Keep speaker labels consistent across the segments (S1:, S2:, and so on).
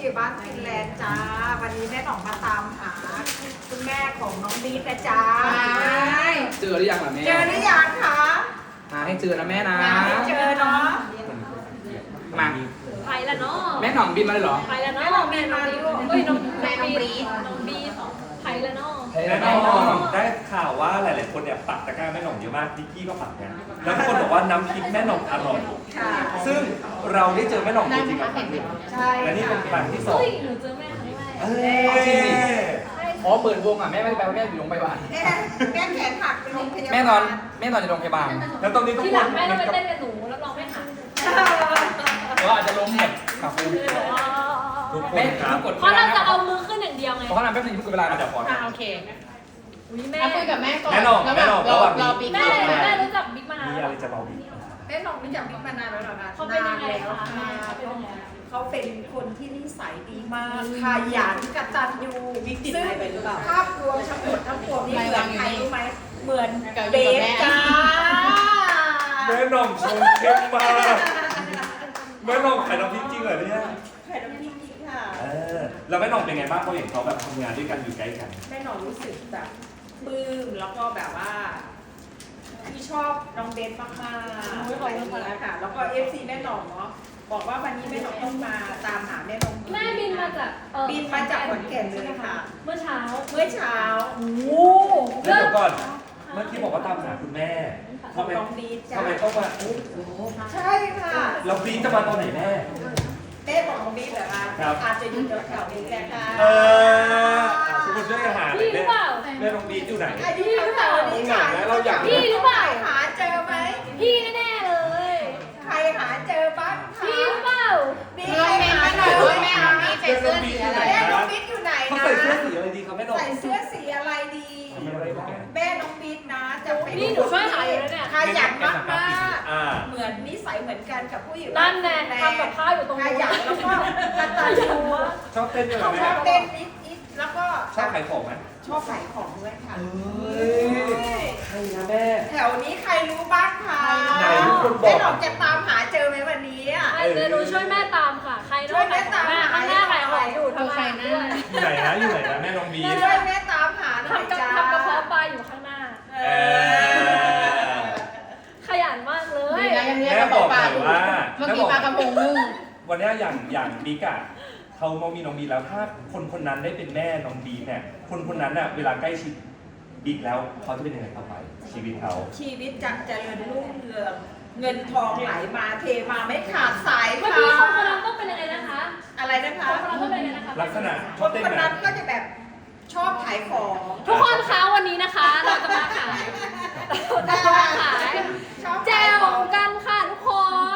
S1: ผู้ใหญ่บ้านฟินแลนด์จ้าวันนี้แม่หน่องมาตามหาคุณแม่ของน้องบีนะจ้า
S2: เจอหรือยังล่ะแม่
S1: เจอหรือยังคะ
S2: หาให้เจอนะแม่นะ
S1: หาไม่เจอเนาะ
S2: มา
S3: ไปแล้วเนาะ
S2: แม่หน่องบินมาเลยเหรอ
S3: ไปแล้วเนาะแม่น้องบีเฮ้ยน้องบีไปแล้วเนาะ
S4: แม่หน่องได้ข่าวว่าหลายๆคนเนี่ยปักตะกร้าแม่หน่องเยอะมากนิกกี้ก็ปักเนี่ยแล้วทุกคนบอกว่าน้ำพริกแม่หน่องอร่อย
S1: ค่ะ
S4: ซึ่งเราได้เจอแม่หน่องจริงๆกับครั้งหนึ่ง
S1: ใช่
S4: และนี่เป็นครั้งที่สอง
S3: เฮ้ยหนูเจอแม่ครั้งแรก
S4: เอ้ย
S2: อ๋อเปิดวงอ่ะแม่ไม่ได้ไปว่าแม่อยู่โรงพยาบาล
S1: แม่แขนหักไปโรงพยาบาล
S2: แม่ตอนอยู่โรงพยาบาล
S4: แล้วตอนนี้ทุก
S3: ที่
S4: ค
S3: หลั
S4: น
S3: งแม่ต้องไปเต้นกับหนูรับรองไม่หัก
S2: แต่ว่าอาจจะล้มหมดครับคุณ
S4: ทุกค
S2: แม่
S4: นครับ
S2: กด
S3: เพราะเราจะเอามือขึ้นอย่างเดียวไง
S2: เพราะเขาทำแป๊บนึงทุกเวลา
S4: เดี๋ยวขอ
S5: โอเค
S3: อุ้ยแม่
S5: คุยกับแม่ก่อน
S4: แม่หน่อง
S5: แล้ว
S4: แม่หน่อง
S5: รอ
S4: ระหว่าง
S5: รอ
S4: นี้
S5: บิ๊ก
S3: แม่
S5: มา
S3: แม่รู้จักบิ๊กมานาน
S4: มี
S3: แล้ว
S4: อะไรจะเบาบี
S1: แม่หน่องรู้จักบิ๊กมานานแล้วเหรอคะ
S3: เขาเป็นยังไง
S1: นานแล้ว
S3: คะ
S1: ค่ะ
S3: เขาเป็นยังไง
S1: เขาเป็นคนที่นิสัยดีมากขยันกตัญญูซึ่งภาพรวมทั้งหมดทั้งปวงนี่เหมือนใครรู้ไหมเหมือนเบสจ้า
S4: แม่หน่องชงเข้มมากแม่หน่องขายน้ำพริกจริงเหรอเนี่ย
S1: ไข่น้ำพริกนี่ค่ะ
S4: แล้วแม่หน่องเป็นไงบ้างพอเห็นเขาแบบทำงานด้วยกันอยู่ใกล้กัน
S1: แม่หน่องรู้สึกแบบปลื้มแล้วก็แบบว่าที่ชอบน้องเบนมากๆอะไรอย่างเงี้ยค่ะ แล้วก็เอฟซีแม่หน่องเนาะบอกว่าวันนี้แม่หน่องต้องมาตามหาแม่หน่อง
S3: แม่บินมาจาก
S1: บินมาจากขอนแก่นเลยค่ะ
S3: เมื่อเช้า
S1: เมื่อเช้า
S3: โอ้
S4: แล้วเดี๋ยวก่อน เมื่อกี้บอกว่าตามหาคุณแม่
S1: ขอ
S4: ทำ
S1: ง
S4: ไม
S1: น้องบีจ้า
S4: ทำไมต้องมา
S1: ใช่ค่ะ
S4: เราบีจะมาตอนไหนแม่
S1: เต้บอกน้องบีเหรอคะ
S4: ครับ
S1: อาจจะอยู่แถวๆนี้แหละค่ะ
S4: คุณช่วยกันหา
S3: พี่หรือเปล่า
S4: แม่น้องบีอยู่ไหน
S1: อายุแถวๆนี้ค่ะ
S4: เราอยาก
S3: พี่หรือเปล่า
S1: หาเจอไหม
S3: พี่แน่ๆเลย
S1: ใครหาเจอบ้างคะ
S3: พี่หรือเปล่า
S1: บี
S5: เรื่อง
S1: ใคร
S5: เมน
S1: หา
S5: มาห
S1: เจ
S5: น่อย
S1: อ
S5: ว่าแม่เอามีใส่เสื้อสีอะไร
S1: แม่น้องบิ๊กอยู่ไหน
S4: เขา
S1: นะ
S4: ใส่เสื้อสีอะไรดีครับแม่น้อง
S1: ใส่เสื้อสีอะไรดี
S4: ทำอะไรบ้าง
S1: แม่น้องบิ๊กนะจะเป็น
S3: นี่หนูช่วยหาอยู่แล้วเนี่ย
S1: ขยันมากมาก
S4: อ่า
S1: เหมือนนิสัยเหมือนกันกับผู้หญิง
S3: นั่นไงทำกับข้าวอยู่ตรง
S1: ข
S3: นู้น
S1: ยันแล้วก็กตัญญู
S4: ชอบเต้นด้วยเหรอ
S1: ช
S4: แม่
S1: อบเต้นนิดๆแล้วก็
S4: ชอบขายของไหม
S1: ชอบขายของด้วยค่ะ
S4: เฮ้ยใครนะแม่
S1: แถวนี้ใครรู้บ้างคะ
S4: ไหนทุกคนบอก
S1: แม่หนอกจะตามหาเจอไหมวันนี้อ่ะ
S3: ไอ้เดี๋ยวหนูช่วยแม่ตามค่ะ ใคร
S1: ช่วยแม่ตาม
S3: แม่ข้างหน้าขายของอยู่ทำงานด้วย
S4: อยู่ไหนนะอยู่ไหนนะแม่น้องบี
S1: ช่วยแม่ตามหาหน่อย
S3: ทำกับ
S1: จ้า
S3: ทำกระเพาะปลาอยู่ข้างหน้า
S1: เออ
S3: ขยันมากเลย
S5: ดีนะยังเรียก
S4: แม่
S5: กระ
S4: บ
S5: เป๋า
S4: อก
S5: ป
S4: ห
S5: ลา
S4: น่อย
S5: อยู่
S4: ว่า
S5: เมื่อกี้ปลากระพงนึ่ง
S4: วันนี้อย่างบิ๊กอะเขามามีน้องบีแล้วถ้าคนคนนั้นได้เป็นแม่น้องบีเนี่ยคนคนนั้นอะเวลาใกล้ชิดบิ๊กแล้วเขาจะเป็นยังไงต่อไปชีวิตเขา
S1: ชีวิตจะเจริญรุ่งเรืองเงินทองไหลมาเทมาไม่ขาดสาย
S3: เมื่อ
S1: ค่ะ
S3: กี้คนคนนั้นต้องเป็นยังไงนะคะ
S1: อะไรนะคะ
S3: คนคนนั้นต้องเป็นยังไงนะคะ
S4: ลักษณะช
S1: ค
S4: อบ
S1: น
S4: เต้น
S1: คน
S4: ไหม
S1: นั้นก็จะแบบชอบขายของ
S3: ทุกคนคะวันนี้นะคะ เราจะมาขายเราจะมาขาย
S1: ชอบ
S3: แจ
S1: ขายว ของ
S3: กันค่ะทุกคน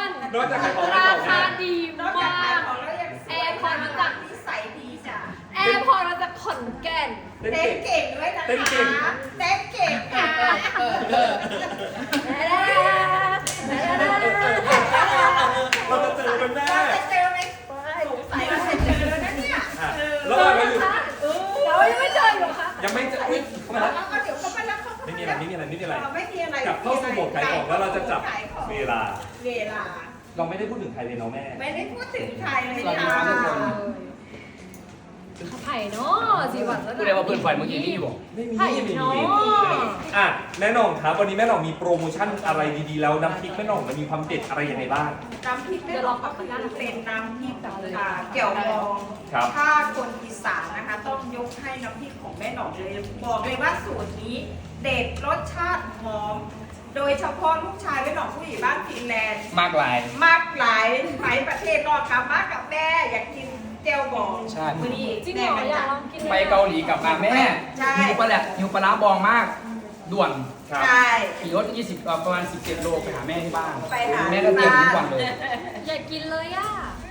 S4: นอกจากขายของ
S3: ราคาดี
S1: นอกจาก
S3: มา
S1: ขาย
S3: ก
S1: ของแล้วยังสวย
S3: แอร์พอร์ตมาจาก
S1: นิสัยดีจ้ะ
S3: แอร์พอร์ตมาจากขอนแก่น
S4: เต้น
S1: เต้น
S4: เก่ง
S1: เก่งด้วยนะคะ
S4: เต้นเก่ง
S1: เต้นเก่งค่ะ
S4: เราจะเจอเป็นแม่
S1: เราจะเจอไหมสงสัยเราจะเจอแล้วนะเนี่ย
S4: อ่ะ
S1: เออ
S4: แล้วเราอยู่
S3: เรายังไม่เจออยู่ค่ะ
S4: ยังไม่เจออุ๊ยเข้ามา
S1: แล้
S4: แล้ว ว
S1: ก็เดี๋ยวเขาไปแล้วเขา
S4: ไม่มีอะไรไม่มีอะไรไม่มีอะไร
S1: ไม่มีอะไร
S4: กลับเข้าสู่โหมดขายของแล้วเราจะจับ
S1: ขายของ
S4: เวลา
S1: เวลา
S4: เราไม่ได้พูดถึงใครเลยเนาะแม่
S1: ไม่ได้พูดถึงใครเลย
S2: สวัสดีครับทุกคน
S3: ไผ่เนาะสีหวานแล้ว
S2: พูดได้ว่าเพื่อนไฟเมื่อกี้นี่บอก
S4: ไม่มี
S3: ไผ่
S4: ไม่มี
S3: เนาะ
S4: อ่ะแม่หน่องครับวันนี้แม่หน่องมีโปรโมชั่นอะไรดีๆแล้วน้ำพริกแม่หน่องมันมีความเด็ดอะไรยังไงบ้าง
S1: น้ำพริกแม่หลอกก็คือเป็นน้ำพริกเกี่ยวมอง
S4: ครับ
S1: ถ้าคนอีสานนะคะ ต้องยกให้น้ำพริกของแม่หนองเลยบอกเลยว่าสูตรนี้เด็ดรสชาติหอม โดยเฉพาะลูกชายแม่หนองผู้ใหญ่บ้านฟินแลนด์
S2: มากลาย
S1: มากหลายไปประเทศนอกกลับมากับแม่อยากกินเจียวบอง
S2: ใช่
S1: มื้อนี้
S3: จริงเหรออยากลองกิน
S2: ไปเกาหลีกลับมาแม่
S1: ใช่
S2: หิวปลาแหละหิวปลาร้าบองมาก ด่วน
S4: ครับ
S1: ใช่
S2: ขี่รถ20ประมาณ17โลไปหาแม่ที่บ้าน
S1: ไปหา
S2: แม่ก็เตรียมทุกวันเลย
S3: อยากกินเลยอ่ะ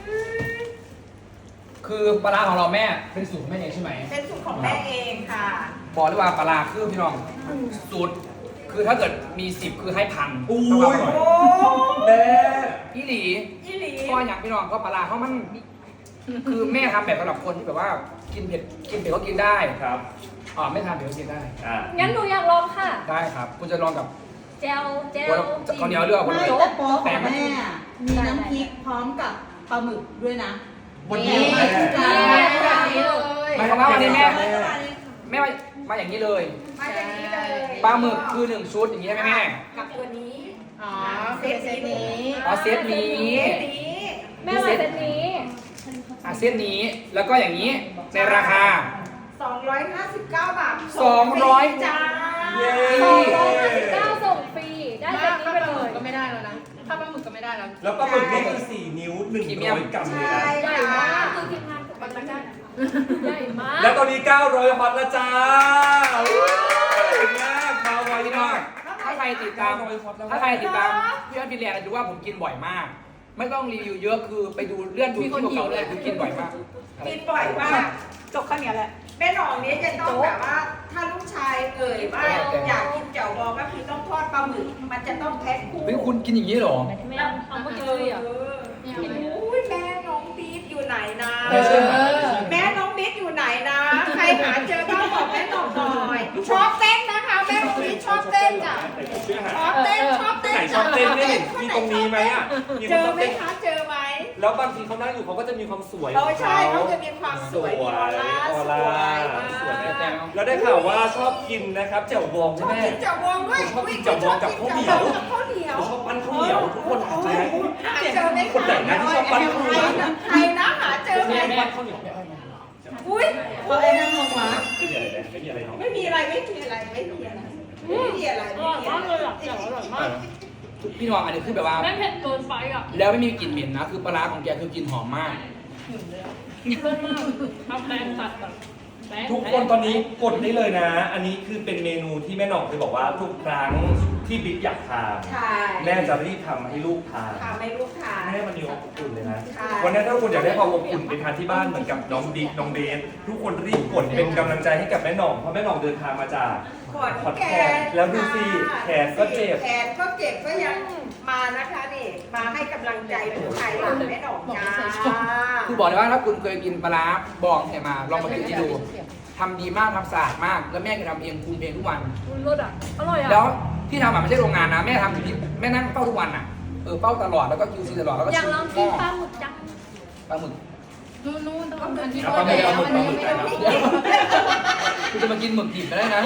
S2: คือปลาร้าของเราแม่เป็นสูตรของแม่เองใช่ไหม
S1: เป็นสูตรของแม่เองค่ะ
S2: บอกเลยว่าปลาร้าคือพี่น้องสูตรคือถ้าเกิดมี10คือให้พัน
S4: อุ้
S2: ต้อง
S4: ย
S2: อร่อย
S1: โอ้
S4: แม่
S2: พี่หลี
S1: ยี่หลี
S2: ก็อย่างพี่น้องก็ปลาร้าเขามันคือแม่ทำแบบสำหรับคนที่แบบว่ากินเผ็ดก็กินได้
S4: ครับ
S2: ไม่ทานเผ็ดก็กินได้
S4: อ่า
S3: งั้นหนูอยากลองค่ะ
S2: ได้ครับคุณจะลองกับ
S3: เจล
S2: ข้าวเหนียวเลือกคน
S6: ไม่
S2: ละ
S6: แต่โป๊ะของแม่มีน้ำพริกพร้อมกับปลาหมึกด้วยนะ
S4: บนนี้แม่
S2: หมายความว่าวันนี้แม่มาอย่างนี้เลย
S1: มาอย่างนี้เลย
S2: ปลาหมึกคือ1ชุดอย่างนี้ได้ไหมแม่
S1: กับตัวนี้
S5: อ๋อเซตนี้
S2: อ๋อเซตนี้
S1: เซตนี้
S3: แม่มาเซตนี้
S2: เซตนี้แล้วก็อย่างนี้ในราคา
S1: 259 บาท
S2: 200
S1: จ้า
S4: เย้
S3: 259ส่งฟรี ได้เซตนี้ไปเลย
S5: ก็ไม่ได้แล้วนะ ถ้าปลาหมึกก็ไม่ได้แล้ว
S4: แล้วปลาหมึกนี่คือ4 นิ้ว 100 กรัมเลยนะ
S3: ใหญ่มากคือทีมงานกับมันได้ใหญ่มาก
S4: แล้วตอนนี้900ฮอตแล้วจ้าเก่งมากมาไว
S2: พี่น้อ
S4: มาง ก
S2: ถ้าใครติดตาม
S4: 900ฮอตแล้ว
S2: ถ้าใครติดตามพี่อันฟินแลนด์จะรู้ว่าผมกินบ่อยมาก ไม่ต้องรีวิวเยอะคือไปดูเลื่อนดูที่เก่าๆเลยคือกินบ่อยมากอะไร
S1: กินบ่อยมาก
S3: จบแค่นี้แหละ
S1: แม่หนองนี้จะต้องแบบว่า ถ้าลูกชายว่าอยากกินแจ่วบองก็คือต้องทอดปลาหมึก มันจะต้องแพ็คคู่
S2: เฮ้ยคุณกินอย่างนี้เหรอ
S3: แม่เอาเมื่อกี้เลยอ่ะ
S1: อุ้ยแม่น้องบีทอยู่ไหนนะ
S2: ไม่เชื่อไหม
S1: แม่น้องบีทอยู่ไหนนะ ใครหาเจอบ้างบอกแม่หนองหน่อย ชอบเต้นนะคะ แม่น้องบีทชอบเต้นจ้ะ
S4: ชื่อหา
S1: ชอบเต้นชอบเต้น
S4: ไหนชอบเต้นนี่มีตรงนี้ไหมอ่ะมี
S1: เจ
S4: คนชอบ
S1: อไหม
S4: เต้น
S1: คะเจอไหม
S4: แล้วบางทีเขานั่งอยู่เขาก็จะมีความสวย
S1: เราใช่เขาจะมีความสวยมีออร่าสวยมาก
S4: สวยมากแล้วได้ข่าวว่าชอบกินนะครับแจ่วบอง
S1: ช
S4: ใช่
S1: อบ
S4: ไหม
S1: กินแจ่วบองด้วย
S4: ชอบกินแจ่วบองกับข้าวเหนียว
S1: ข้าวเหนียว
S4: ชอบปั้นข้าวเหนียวทุกคนหาเจอไหม
S1: หาเจอไหม
S4: คนไหนนะที่ชอบปั้นข้าวเหนียว
S1: ใครนะหาเจอไหม
S2: แม่
S4: ข้าวเหนียวไม่เอามา
S1: อุ้ยไอ้นั่นลงมา
S4: ไม่มีอะไรเนาะ
S1: ไม่มีอะไรไม่มีอะไรไม่มีอะไรไม่มีอะไร
S3: อร่อยมากเลยอ่ะแจ่วอร่อยมาก
S2: พี่น้องอันนี้คือแบบว่า
S3: แม่เผ็ดเกินไปอ่ะ
S2: แล้วไม่มีกลิ่นเหม็นนะ คือปลาร้าของแกคือกลิ่นหอมมาก
S3: เลิศมากทำแป้งตัดแบบแป้ง
S4: ทุกคนตอนนี้กดได้เลยนะ อันนี้คือเป็นเมนูที่แม่หน่องเคยบอกว่าทุกครั้งที่บิ๊กอยากทาน
S1: ใช่
S4: แม่จะรีบทำให้ลูกทาน
S1: ทำให้ลูกทาน
S4: แม่มันมีอบอุ่นเลยนะ
S1: ใช่
S4: วันนี้ถ้าคุณอยากได้ความอบอุ่นไปทานที่บ้านเหมือนกับน้องบิ๊กน้องเบสทุกคนรีบกดเป็นกำลังใจให้กับแม่หน่องเพราะแม่หน่องเดินทางมาจาก
S1: ขอนแก่น
S4: แล้วดูสิแขนก็เจ็บ
S1: แขนก็เจ็บก็ยังมานะคะนี่มาให้กำลังใจผู้ชายหลังแม่ดอกจ้า
S2: คือบอกเลยว่าถ้าคุณเคยกินปลาร้าบองเนี่ยมาลองมากินที่ดูทำดีมากทำสะอาดมาก แล้วแม่ก็ทำเองปรุงเองทุกวัน
S3: รสอ่ะ อร่อยอ่ะ
S2: แล้วที่ทำอ่ะไม่ใช่โรงงานนะแม่ทำอยู่ที่แม่นั่งเฝ้าทุกวันอ่ะเฝ้าตลอดแล้วก็คิวซีตลอดแล้วก็
S3: อยากลองกินปลาหมึกจัง
S2: ปลาหมึก
S5: นู่นต้องอันที่
S2: เอาปลาหมึกเอาหมึกเอาหมึกไปนะคุณจะมากินหมึกดิบก็ได้นะ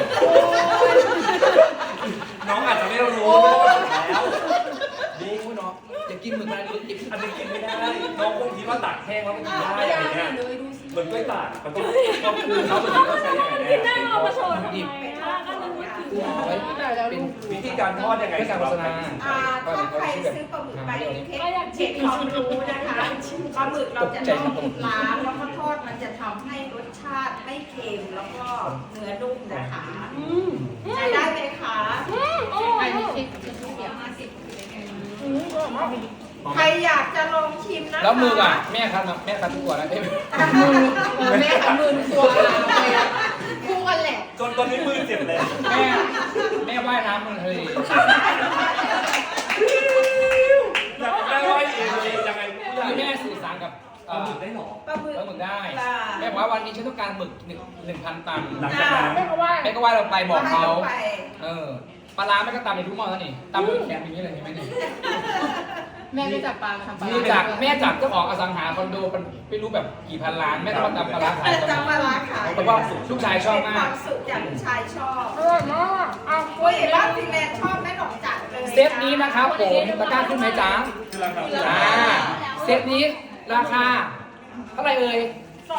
S4: น้องอาจจะไม่รู้แล้ว
S2: ดีคุณเนาะอย่ากินหมึกอะไรหมึกดิบ
S4: อันนี้กินไม่ได้ น้องคงคิดว่าตากแห้งแล้วมันกินได้อะไรเงี้ยเหมือนกล้วยตากมันต้องคือเขาเป็นต้องใช้ยังไง
S3: กินได้
S4: แน่
S3: เอามาโชว์ทำไมอ่ะก็นึกว่ากิน
S2: คือเอาไว้เป็น
S4: วิธีการทอดยังไง
S2: เพื่อการโฆษณา
S1: ถ้าใครซื้อปลาหมึกไปเช็คความรู้นะคะปลาหมึกเราจะต้องล้างแล้วก็ทอดมันจะทำให้รสชาติไม่เค็มแล้วก็เนื้อนุ่มนะคะ ใช้ได้ไหมคะ
S3: อร่อ
S5: อั
S3: ย
S5: นนี้
S3: อ่ะ
S5: คิดเดียว
S1: ใครอยากจะลองชิมนะคะ
S2: แล้วมืออ่ะแม่คันทุกตัวนะเอ้ย
S5: แม่กับมือตัวคู่กันแหละ
S4: จนตอนนี้มือเจ็บเลย
S2: แม่ว่ายน้ำมันเลย
S4: อยากได้ว่าเองเลยยังไง
S2: คือแม่สื่อสารกับ
S4: ปลาหมึกได้หรอ
S1: ปลาหมึก
S2: หมึกได้แม่บอกว่าวันนี้ฉันต้องการหมึก1,000 ตัน
S4: หลังจากนั้น
S3: แม่ก็ว่า
S2: แม่ก็ว่าเราไปบอกเขา
S1: ไป
S2: ปลาร้าแม่ก็ตำในทุกหม้อแล้วนี่ตำด้วยแขนอย่างนี้เลยเห็นไหมนี่
S5: แม่ไม่จับปลามาทำปลา
S2: นี่จากแม่จากเจ้าของอสังหาคอนโดมันไม่รู้แบบกี่พันล้านแม่ต้องมาตำปลาร้าขาย
S1: จำปลาร้าขาย
S2: เพราะว่าลูกชายชอบมาก
S1: เป็นความสุขจากลูกชายชอบ
S3: อร่อยมากเอา
S1: โอ้ยบ้านฟินแลนด์ชอบแม่หนองจัดเลย
S2: เซตนี้นะครับผมตะกร้าขึ้นไหมจ๊ะ
S4: คือราคา
S2: จ้าเซตนี้ราคาเท่าไหร่เอ่ย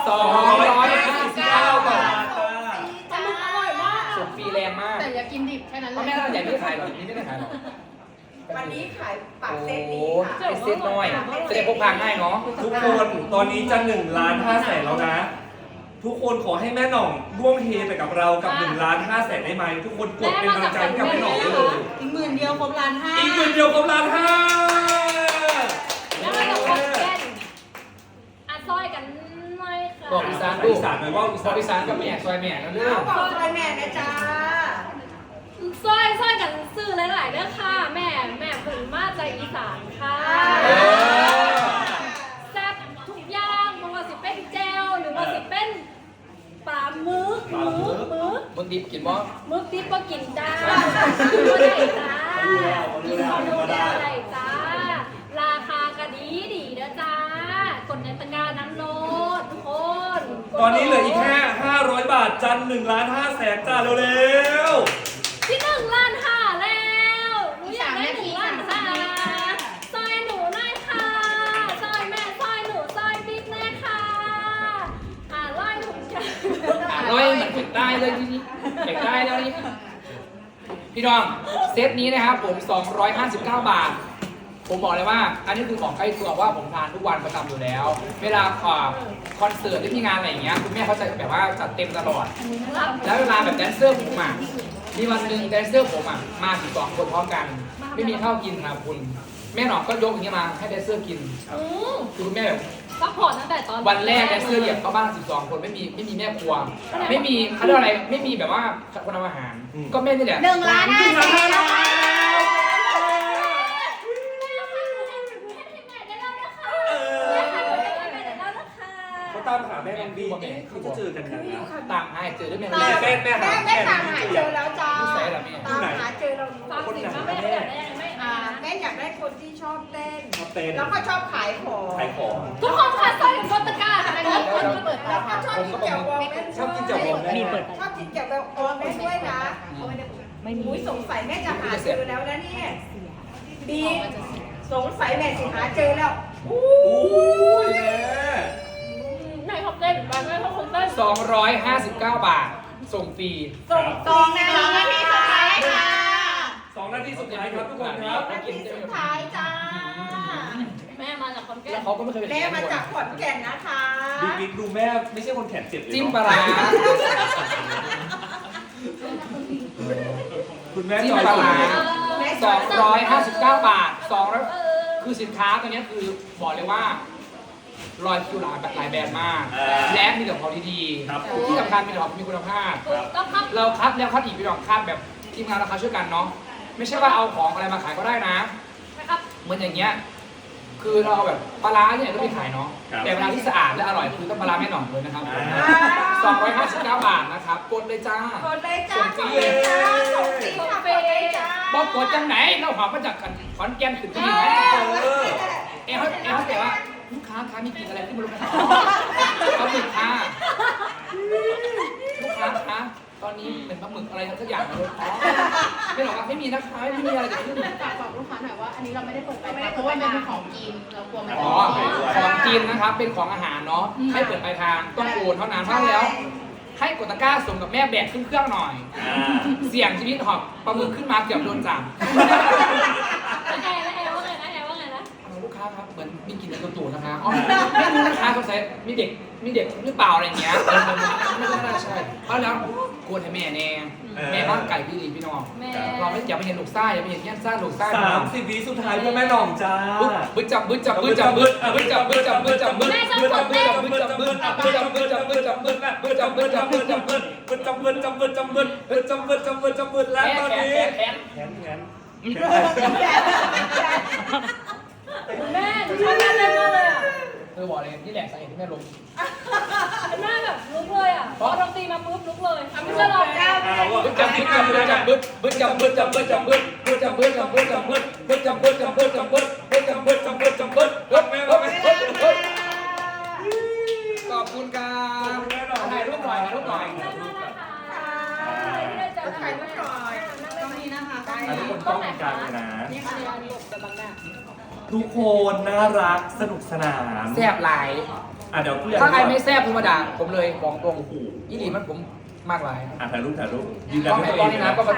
S2: 259 บาท
S3: ปลาหมึกอร่อยมาก
S2: ส่งฟรีแรงมาก
S5: แต่อย่ากินดิบแค่นั้น
S2: เพ
S5: เล
S2: ราะ
S5: ย
S2: แม่ร้านใหญ่ไม่ได้ขายหรอกนี่ไม่ได้ขายหรอก
S1: วันนี้ขายปัก
S2: โอ้
S1: เซต
S2: โห
S1: นี้ค่ะ
S2: เป็นเซตน้อยจะได้พกพาง่ายเนาะ
S4: ทุกคนตอนนี้จะ1,500,000แล้วนะ ทุกคนขอให้แม่หน่องร่วมเฮไปกับเรากับ1,500,000ได้ไหมทุกคนกดเป็นกำลังใจให้กับแม่หน่องได้เลย
S5: อีก10,000เดียวครบ1,500,000
S4: อีก1,000,000เดียวกับ1,500,000
S3: แล้วมันจะครบเส้นอ่ะซอยกันหน่อยค่ะ
S2: บอกอีสาน
S4: อีสานหน่อยว่าอี
S2: บ
S4: สา
S2: อน กอีสานกับแม่ซอยแม่นะเรื่อง
S1: เอาบอกซอยแม่นะจ๊ะ
S3: ซอยกันซื้อหลายๆเด้อค่ะ แม่เพิ่งมาจากอีสานค่ะ แซ่บทุกอย่างไม่ว่าสิเป็นแจวหรือว่าสิเป็นปลาหมึก
S2: มึงดิบกินบ่
S3: มึกดิบก็กินจ้าก็ได้จ้ากินคอนโดได้จ้า ราคาก็ดีนะจ้ากดในตะกร้านั้นเล
S4: ตอนนี้เหลืออีกแค่500 บาทจัน1,500,000จ้าเร็ว
S3: ที่1,500,000แล้วหนูอยากได้1,500,000ซอยหนูหน่อยค่ะซอยแม่ซอยหนูซอยบิ๊กแน่ค่ะร้อยถุงจ้า
S2: ร้อยมันติดได้เลยทีนี้ติดได้แล้วนี่พี่น้องเซตนี้นะครับผม259 บาท ผมบอกเลยว่า อันนี้คือของใกล้ตัวว่าผมทานทุกวันประจำอยู่แล้ว เวลาคอนเสิร์ตหรือมีงานอะไรอย่างเงี้ยคุณแม่เขาจะแบบว่าจัดเต็มตลอด แล้วเวลาแบบแดนเซอร์ผมอ่ะมีวันหนึ่งแดนเซอร์ผมอ่ะมาถึง2 คนพร้อมกัน ไม่มีข้าวกินครับคุณแม่หนอมก็ยกอย่างเงี้ยมาให้แดนเซอร์กินคือคุณแม่แบบ
S3: ซัพพอร์ตตั้งแต่ตอน
S2: วันแรกแดนเซอร์เหยียบเข้าบ้าน12 คนไม่มีแม่ครัว ไม่มีเขาเรียกอะไรไม่มีแบบว่าคนทำอาหาร ก็แม่นี่แหละ
S5: 1,500,000แล้วค่ะ
S4: เขาตามหาแม่น้องบีเขาจะเจอกันยังไง
S2: ตามหาเจอด้วยแม่
S4: แม่
S5: ตามหาเจอแล้วจ้า
S2: นิสัยเหรอแม่
S1: ตามหาเจอเรา
S3: ฟังสิว่าแม่อยากได้ยังไง
S1: แม่อยากได้คนที่ชอบเต้น
S4: ชอบเต้น
S1: แล้วก็ชอบขายของ
S4: ขายของ
S3: ทุกคนค่ะซอยกดตะกร้าค่ะอันนี้คนเปิด
S1: แล้วก็ชอบกินแจ่วบองแม่
S4: ชอบกินแจ่วบองแม่
S1: ชอบกินแจ่วบองแม่ด้วยนะไม่มีสงสัยแม่จะหาเจอแล้วนะเนี่ยบีสงสัยแม่สิหาเจอแล้ว
S4: อู้ยแม่
S3: แม่ชอบเต้นแม่ชอบคนเต้น
S2: 259 บาท ส่งฟรี
S1: ส่งตรงนะ
S5: 2 นาทีสุดท้ายค่ะ
S4: 2 นาทีสุดท้ายครับทุกคนครับ
S1: นาทีสุดท้ายจ้า
S3: แม่มาจากคนแก่
S2: แล้วเขาก็ไม่เคยเป็น
S1: แม่
S2: แม่
S1: มา
S2: ครัว
S1: จากขอนแก่นนะคะ
S4: บิ๊กดูแม่ไม่ใช่คนแขนเจ็บเลย
S2: จิ้มปลาร้า
S4: คุณแม่
S2: จิ้ม
S4: จอย
S2: ปลาร้า
S1: แม่
S2: 259 บาท200คือสินค้าตัวนี้คือบอกเลยว่ารอยคิวหลายแบบหลายแบรนด์มาก และมีแต่ของดี
S4: ครับ
S2: ๆที่สำคัญมีแต่ของมีคุณภาพ
S3: ต้องครับ
S2: เราคัดแล้วคัดอีกพี่น้องคัดแบบทีมงานราคาช่วยกันเนาะไม่ใช่ว่าเอาของอะไรมาขายก็ได้นะ
S3: นะครับ
S2: เหมือนอย่างเงี้ยคือเราเอาแบบปลาร้าเนี่ยก็มีขายเนาะแต่เวลาที่สะอาดและอร่อยคือต้องปลาร้าแม่หน่องเลยนะครับ259 บาทนะครับกดเลยจ้า
S1: กดเลยจ้าส่งเลยจ้าส่งฟรีค่ะกดเลยจ้า
S2: บอกกดจังไหนเราหอบมาจากขอนแก่นขึ้นที่นี่ไหมเขาแต่ว่าลูกค้ามีกินอะไรที่ไม่รู้นะเขาหมึกค่ะลูกค้าคะตอนนี้เป็นปลาหมึกอะไรสักอย่างเลยไม่หรอกไม่มีนะคะไม่มีอะไรเกิดขึ้น
S5: ฝากบอกลูกค้าหน่อยว่าอันนี้เราไม่ได้เปิดไปเพราะว่ามันเป็นของกินเรากลัวมัน
S2: อ๋อของกินนะครับเป็นของอาหารเนาะให้เปิดปลายทางต้องโอนเท่านั้นเพราะแล้ว ให้กดตะกร้าส่งกับแม่แบกขึ้นเครื่องหน่อย เสี่ยงชีวิตหอบปลาหมึกขึ้นมาเกือบโดนจับ
S3: แอร์ว่าไงนะ
S2: ลูกค้าครับเหมือนมีกลิ่นในตัวตูดนะคะอ๋อไม่รู้นะคะเขาใส่มีเด็กหรือเปล่าอะไรอย่างเงี้ยไม่น่าใช่เพราะแล้วกลัวให้แม่แน่แม่บ้านไก่พี่ดีพี่น้อง
S3: แม่
S2: เราไม่อยากไปเห็นลูกซ่าอย่าไปเห็นแย่นซ่าลูกซ่า
S4: 30 วิสุดท้ายเพื่อแม่หน่องจ้า
S2: บึ้จับบึ้จับบึ้จับบึ้บึ้จับบึ้จับบึ้จับบึ้บึ้จับบึ้จับบึ้จับบึ้จับบึ้จับบึ้จับบึ้จับบึ้บึ้จับบึ้จับบึ้จับบึ้
S4: แล้วตอนนี้
S2: แขน
S3: แม่หนูชอบแม่เล่นมากเลยอ่ะ
S2: เธอบอกเลยนี่แหละสาเหตุที่แม่ลง
S3: แม่แบบลุกเลยอ่ะพอดนตรีมาปุ๊บลุกเลยไม่ใช่หรอก
S2: บึ้จับบึ้จับบึ้จับบึ้จับบึ้จับบึ้จับบึ้จับบึ้จับบึ้จับบึ้จับบึ้จับบึ้จับบึ้จับบึ้จับบึ้จับบึ้จับบึ้จับบึ้ขอบคุณครับถ่ายรูปหน่อยถ่ายรูปหน่อย
S1: ถ่ายรูปหน่อย
S3: ต้องมีนะคะ
S4: ทุกคนต้องมีการเลยนะ
S3: นี่ค่ะอันนี้แบบแบบ
S4: ทุกคนน่ารักสนุกสนาน
S2: แซ่บหลาย
S4: เดี๋ยวผู้ใหญ่
S2: ถ้าใครไม่แซ่บธรรมดาผมเลยบอกตรงอีหลีมันผมมากหลาย
S4: ถ่ายรูปยืนยัน
S2: ต้อง
S4: ด้วย
S2: ให้
S4: ตัว
S2: ตอน
S4: เอ
S2: นี้
S4: ง
S2: นะ
S4: นะ
S2: ก็